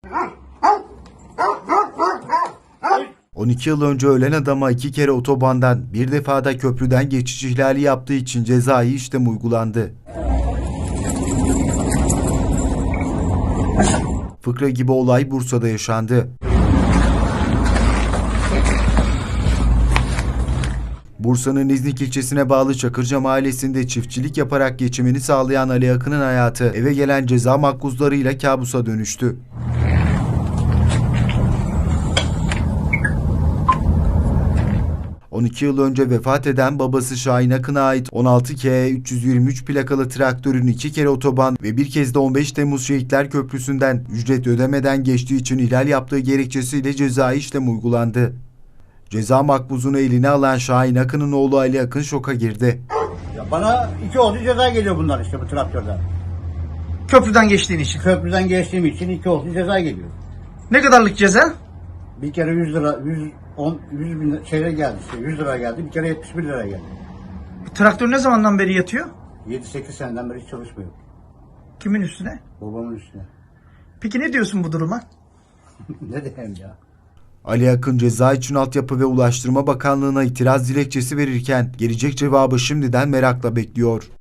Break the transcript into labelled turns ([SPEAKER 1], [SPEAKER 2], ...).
[SPEAKER 1] 12 yıl önce ölen adama 2 kere otobandan, bir defada köprüden geçiş ihlali yaptığı için cezai işlem uygulandı. Fıkra gibi olay Bursa'da yaşandı. Bursa'nın İznik ilçesine bağlı Çakırca mahallesinde çiftçilik yaparak geçimini sağlayan Ali Akın'ın hayatı eve gelen ceza makbuzlarıyla kabusa dönüştü. ...12 yıl önce vefat eden babası Şahin Akın'a ait 16K 323 plakalı traktörün 2 kere otoban ve bir kez de 15 Temmuz Şehitler Köprüsü'nden ücret ödemeden geçtiği için ihlal yaptığı gerekçesiyle cezai işlem uygulandı. Ceza makbuzunu eline alan Şahin Akın'ın oğlu Ali Akın şoka girdi.
[SPEAKER 2] Ya bana 2 oldu ceza geliyor bunlar işte bu traktörden.
[SPEAKER 3] Köprüden geçtiğin için.
[SPEAKER 2] Köprüden geçtiğim için 2 oldu ceza geliyor.
[SPEAKER 3] Ne kadarlık ceza?
[SPEAKER 2] Bir kere 100 lira, 100 bin şeyler geldi işte 100 lira geldi, bir kere 71 lira geldi.
[SPEAKER 3] Traktör ne zamandan beri yatıyor?
[SPEAKER 2] 7-8 seneden beri hiç çalışmıyor.
[SPEAKER 3] Kimin üstüne?
[SPEAKER 2] Babamın üstüne.
[SPEAKER 3] Peki ne diyorsun bu duruma?
[SPEAKER 2] Ne diyeyim ya?
[SPEAKER 1] Ali Akın ceza için Altyapı ve Ulaştırma Bakanlığı'na itiraz dilekçesi verirken gelecek cevabı şimdiden merakla bekliyor.